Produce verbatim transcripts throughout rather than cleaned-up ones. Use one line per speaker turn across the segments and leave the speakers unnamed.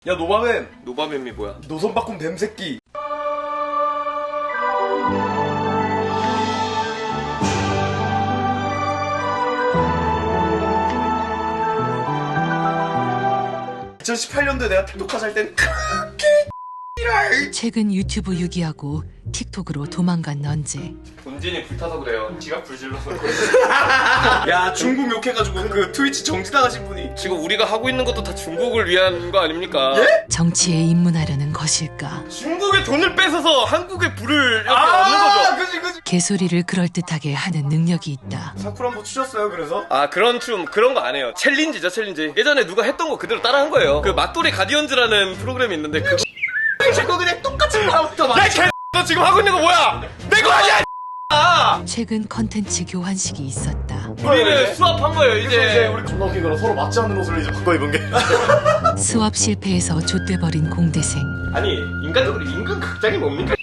야 노바맨.
노바맨이 뭐야?
노선 바꿈 뱀새끼. 이천십팔 년도에 내가 틱톡 할 땐
최근 유튜브 유기하고 틱톡으로 도망간 넌지.
본진이 불타서 그래요. 지가 불질러서.
야 중국 욕해가지고 그 트위치 정지당하신 분이.
지금 우리가 하고 있는 것도 다 중국을 위한 거 아닙니까?
예?
정치에 입문하려는 것일까?
중국의 돈을 뺏어서 한국에 불을 이렇게 얻는
아
거죠.
그지 그지.
개소리를 그럴듯하게 하는 능력이 있다.
사쿠라 한번 추셨어요 그래서?
아 그런 춤 그런 거 안 해요. 챌린지죠 챌린지. 예전에 누가 했던 거 그대로 따라한 거예요. 그 맞돌이 가디언즈라는 프로그램이 있는데 그거
자꾸 그냥 똑같은 말부터
야 개! 너 지금 하고 있는 거 뭐야? 내 거 아니야!
최근 컨텐츠 교환식이 있었다.
우리는 수업한 거예요
이제
이제.
우리 겁나 웃긴 거라 서로 맞지 않는 옷을 이제 바꿔 입은 게.
수업 실패해서 좆돼버린 공대생.
아니 인간적으로 임금 극장이 뭡니까?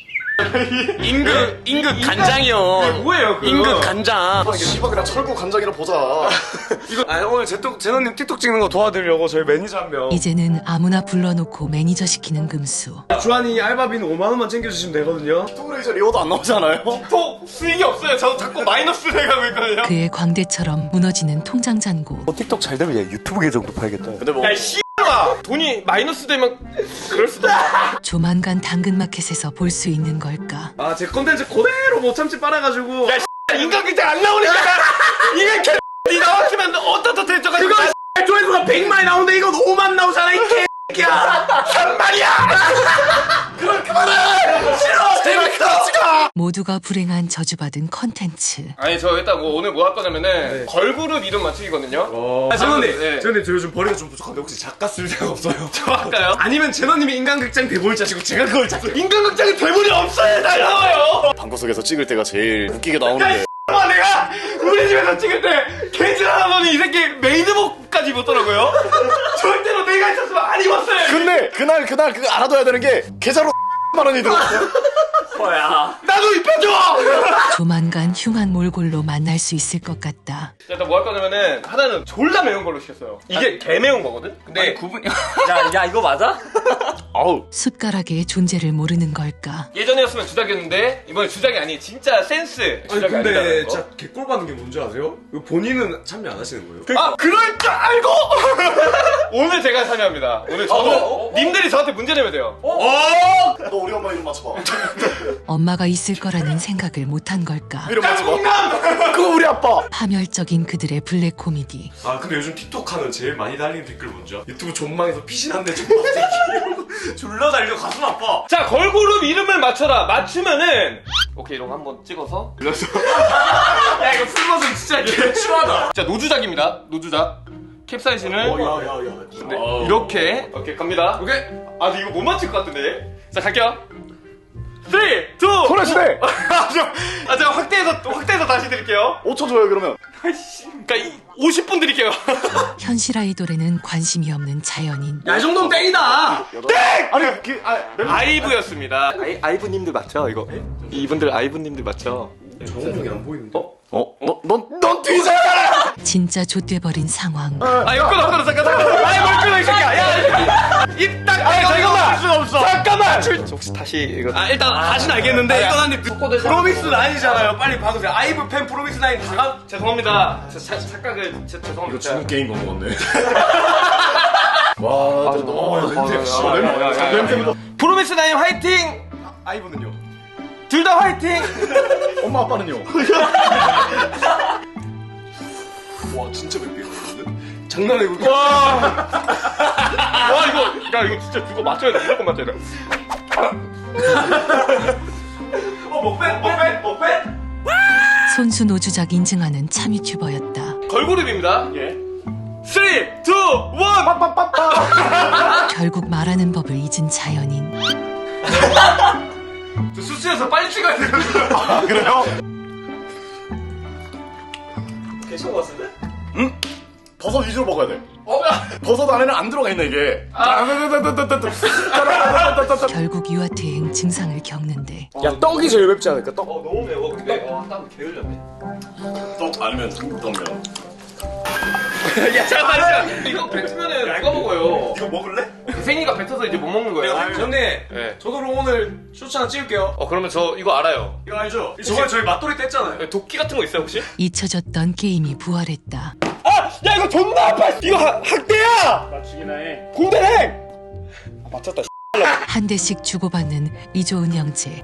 임금 임금 간장이요.
뭐예요 그거?
임금 간장.
씨발 그냥 철구 간장이라 보자.
이거 아 오늘 제톡 제노님 틱톡 찍는 거 도와드리려고 저희 매니저 한 명.
이제는 아무나 불러놓고 매니저 시키는 금수.
주한이 알바비는 오만 원만 챙겨주시면 되거든요. 틱톡으로 이제 리워도 안 나오잖아요.
톡 수익이 없어요. 저도 자꾸 마이너스 내가고 있거든요.
그의 광대처럼 무너지는 통장 잔고.
틱톡 잘 되면 얘 유튜브 계정도 팔겠다.
근데 뭐
야 씨X아 돈이 마이너스 되면 그럴 수도 있어.
조만간 당근마켓에서 볼 수 있는 걸까?
아 제 컨텐츠 그대로 못 참지 빨아가지고.
야 인간 극장 안 나오니까 이게 개 니 나왔으면 어떻다 대처가지고
그거 조회수가 백만이 나오는데 이건 오만 나오잖아 이 개새끼야.
삼만이야.
그걸 그만해. 싫어. 재밌다. 찍어.
모두가 불행한 저주받은 컨텐츠.
아니 저 일단 뭐 오늘 뭐 할 거냐면은 걸그룹 이름 맞추기거든요.
아 제노님,
네.
제노님 저 요즘 버리가 좀 부족한데 혹시 작가 쓸 데가 없어요?
저 할까요?
아니면 제노님이 인간극장 대본을 짜시고 제가 그걸 짜서
인간 극장에 대본이 없어요. 다 나와요.
방구석에서 찍을 때가 제일 웃기게 나오는데
와 내가 우리 집에서 찍을 때 개질 하더니 이 새끼 메이드복까지 입었더라고요. 절대로 내가 있었으면 안 입었어요.
근데 그날 그날 그거 알아둬야 되는 게 계좌로 만 원이 들어왔어요.
나도 입혀줘.
조만간 흉한 몰골로 만날 수 있을 것 같다.
일단 뭐 할 거냐면은 하나는 졸라 매운 걸로 시켰어요. 이게 개 매운 거거든. 근데
구분. 야, 야 이거 맞아?
아우
숟가락의 존재를 모르는 걸까?
예전이었으면 주작이었는데 이번에 주작이 아니 진짜 센스
아니
주작이
근데
아니라는 거.
진짜 개꼴 받는 게 뭔지 아세요? 이거 본인은 참여 안 하시는 거예요?
아 그럴 줄 알고 오늘 제가 참여합니다. 오늘 저는
어, 어,
님들이 저한테 문제 내면 돼요.
너 우리 엄마 이름 맞춰봐.
엄마가 있을 거라는 생각을 못한 걸까?
이름 맞춰봐.
남
그거 우리 아빠.
파멸적인 그들의 블랙 코미디.
아 근데 요즘 틱톡 하는 제일 많이 달리는 댓글 뭔지 알아? 유튜브 존망에서 피신한데 존망새끼 이러고 졸라 달려 가슴 아파.
자 걸그룹 이름을 맞춰라. 맞추면은 오케이 이런 거 한번 찍어서 눌렀어.
야 이거 풀버전 진짜 개추하다.
자 노주작입니다. 노주작 캡사이신을
야야야.
네, 이렇게 오케이 갑니다.
오케이.
아 근데 이거 못 맞출 것 같은데. 자 갈게요. 삼, 이, 일.
소녀시대.
아, 저, 아, 제가 확대해서, 확대해서 다시 드릴게요.
오 초 줘요 그러면.
그니까, 이, 오십 분 드릴게요.
현실 아이돌에는 관심이 없는 자연인.
야 이 정도면 땡이다.
아니 그 아,
아이브였습니다. 아이, 아이브님들 맞죠, 이거? 이분들 아이브님들 맞죠?
정우형이 안 보이는데?
어?
어? 너넌넌 뒤져라.
진짜 좆돼버린 상황.
아, 이거 끊어, 끊어, 잠깐, 잠깐. 아이, 뭘 끊어, 이 새끼야. 야, 이 새끼. 입딱, 아, 잠깐만.
수가 없어.
잠깐만. 혹시 다시, 이거.
아 일단 다시는 알겠는데 이건 한입 프로미스 나인이잖아요. 빨리 봐주세요. 아이브 팬 프로미스 나인 다가.
죄송합니다. 저, 자, 착각을, 제, 죄송합니다.
게임 건 먹었네. 와, 진짜 너무 냄새. 냄새.
프로미스 나인 화이팅!
아이브는요?
둘 다 화이팅!
엄마 아빠는요?
와 진짜 맵게 먹는데? 장난 아니고.
와. 와, 이거, 야, 이거 진짜 그거 맞춰야 돼. 무조건 맞춰야 돼.
어 먹배 먹배 먹배.
손수 노주작 인증하는 참 유튜버였다.
걸그룹입니다.
예.
삼, 이, 일.
결국 말하는 법을 잊은 자연인.
저 수수해서 빨리 찍어야 돼.
아 그래요?
계속 왔는데?
버섯 위주로 먹어야 돼.
어?
버섯 안에는 안 들어가 있네 이게.
결국 유아퇴행 증상을 겪는데
야 떡이 제일 맵지 않을까? 떡.
어, 너무 매워. 근데, 와, 땀 개흘렸네.
떡 아니면 중국떡면.
야, 잠깐만, 잠깐만. 이거 뱉으면은 누가 먹어요?
이거 먹을래?
생이가 뱉어서 이제 못 먹는 거예요.
형님,
네.
저도 오늘 쇼츠 하나 찍을게요.
어 그러면 저 이거 알아요.
이거 알죠? 저번에 저희 맛돌이 때 했잖아요.
도끼 같은 거 있어요 혹시?
잊혀졌던 게임이 부활했다.
아! 야 이거 존나 아파! 이거 학, 학대야!
맞추기나 해.
공대행! 아 맞췄다.
한 대씩 주고받는 이조은 형제.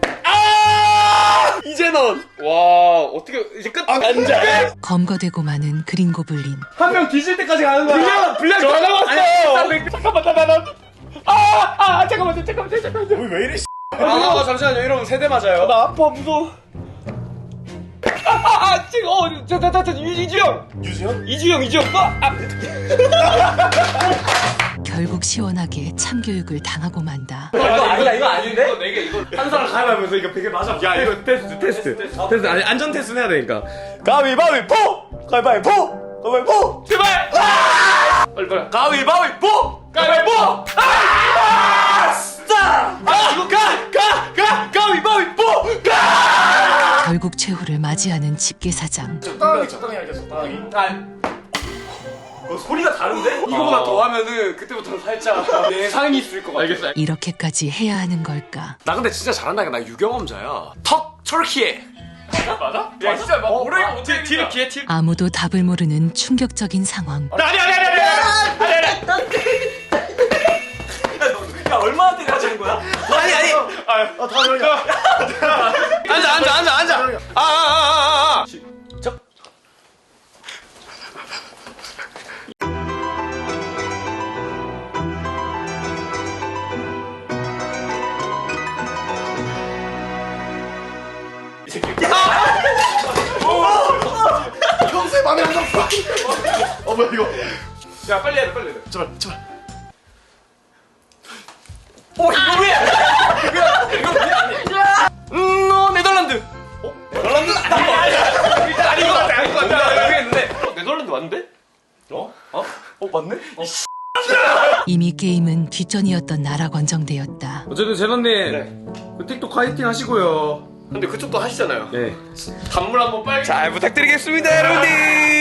아! 이제넌! 와 어떻게 이제 끝? 앉아!
검거되고 마는 그린 고블린.
한 명 뒤질 때까지 가는 거야.
분량! 분량 다 나왔어! 잠깐만 나 나 나 아! 아! 잠깐만 잠깐만 잠깐만
왜 이래?
아, 잠시만요. 이러면 세대 맞아요.
나 아파 무서워 아! 아! 아! 지금 어! 저, 저, 저, 저, 이주영!
유지현?
이주영 이주영! 아! 아!
결국 시원하게 참교육을 당하고 만다.
이거 아니다, 이거 아닌데?
이거 네 개, 이거.
한 사람 가위바위보에서 이거 베개 맞아.
야, 이거 테스트, 테스트. 테스트. 아니, 안전 테스트 해야 되니까.
가위바위보! 가위바위보! 가위바위보!
제발! 아! 빨리, 빨리.
가위바위보!
가위바위보! 아! 진짜! 아! 이거 가! 가! 가! 가위바위보! 가!
결국 최후를 맞이하는 집게사장.
적당히 적당히 할게 적당히.
어, 소리가 다른데? 이거보다 더 하면은 그때부터는 살짝 예상이 있을 것 같아.
알겠어.
이렇게까지 해야 하는 걸까?
나 근데 진짜 잘한다니까. 나 유경험자야. 턱 터키에.
맞아? 야, 진짜 막 오래 어떻게 뒤를 기회 티
아무도 답을 모르는 충격적인 상황.
아니, 아니, 아니, 아니, 아니, 아니, 아니.
야, 얼마나 때려지는 거야? 아니, 아니.
아 다음에
앉아, 앉아, 앉아, 앉아. 아, 아, 아, 아, 아.
평소에 맘에 안 들었어. 어 뭐야 이거?
야, 빨리 해야 돼, 빨리 해야 돼.
제발 제발.
어, 이거 왜? 이거 왜 아니야? 음, 어, 네덜란드. 어? 네덜란드 아닌 거 같아. 일단 아닌 거 같아, 아닌 거 같아. 모르겠는데. 어, 네덜란드 맞는데? 어? 어? 어, 맞네?
이미 게임은 뒷전이었던 나라 권정대였다.
어쨌든 제너님, 그 틱톡 화이팅 하시고요.
근데 그쪽도 하시잖아요.
네.
단물 한번 빨리 잘 부탁드리겠습니다, 여러분들.